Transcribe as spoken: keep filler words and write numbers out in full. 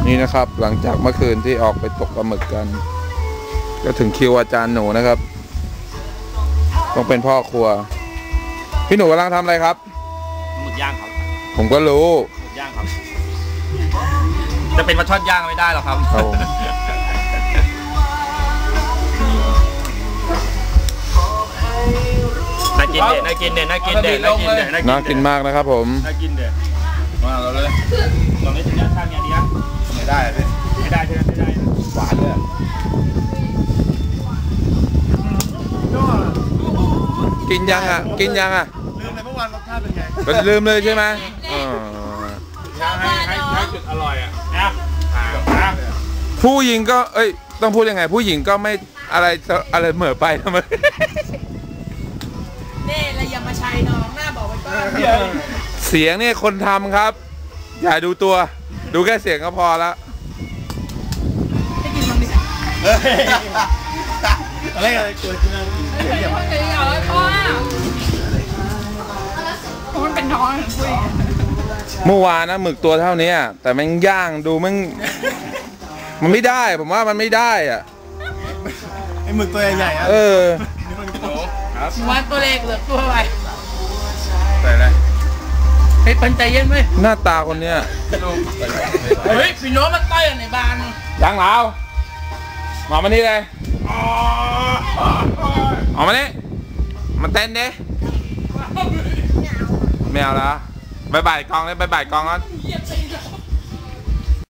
นี่นะครับหลังจากเมื่อคืนที่ออกไปตกปลาหมึกกันก็ถึงคิวอาจารย์หนูนะครับต้องเป็นพ่อครัวพี่หนูกำลังทำอะไรครับหมึกย่างครับผมก็รู้หมึกย่างครับจะเป็นปลาช่อนย่างไม่ได้หรอกครับน่ากินเด็ดน่ากินเด็ดน่ากินเด็ดน่ากินเด็ดน่ากินมากนะครับผมน่ากินเด็ดมาเราเลยลองนี้ถึงย่างข้างอย่างนี้นะไม่ได้เลยไม่ได้ใช่ไหมไม่ได้หวานเลยกินยังอ่ะกินยังอ่ะลืมเลยเมื่อวานรสชาติเป็นไงลืมเลยใช่ไหมให้ให้ให้จุดอร่อยอ่ะนะผู้หญิงก็เอ้ยต้องพูดยังไงผู้หญิงก็ไม่อะไรอะไรเหม่อไปทำไมเน่ระยำมาชัยน้องหน้าบอกไว้ก่อนเสียงเนี่ยคนทำครับอย่าดูตัวดูแค่เสียงก็พอแล้วให้กินมันดิอะไรอะไรเกิดขึ้นนะอย่าเพิ่งอย่าเลยพ่อมันเป็นท้องคุยเมื่อวานนะหมึกตัวเท่านี้แต่มันย่างดูมันมันไม่ได้ผมว่ามันไม่ได้อ่ะไอหมึกตัวใหญ่ๆเออว่าตัวเล็กเหลือตัวอะไรใส่อะไรเฮ้ยปันใจเย็นไหมหน้าตาคนเนี้ยเฮ้ยพี่โน้มันต้อยในบ้านยังเหลาหมอมานี่เลยออกมานี่มาเต้นดิไม่เอาแล้วบายบายกองเลยบายบายกองก่อน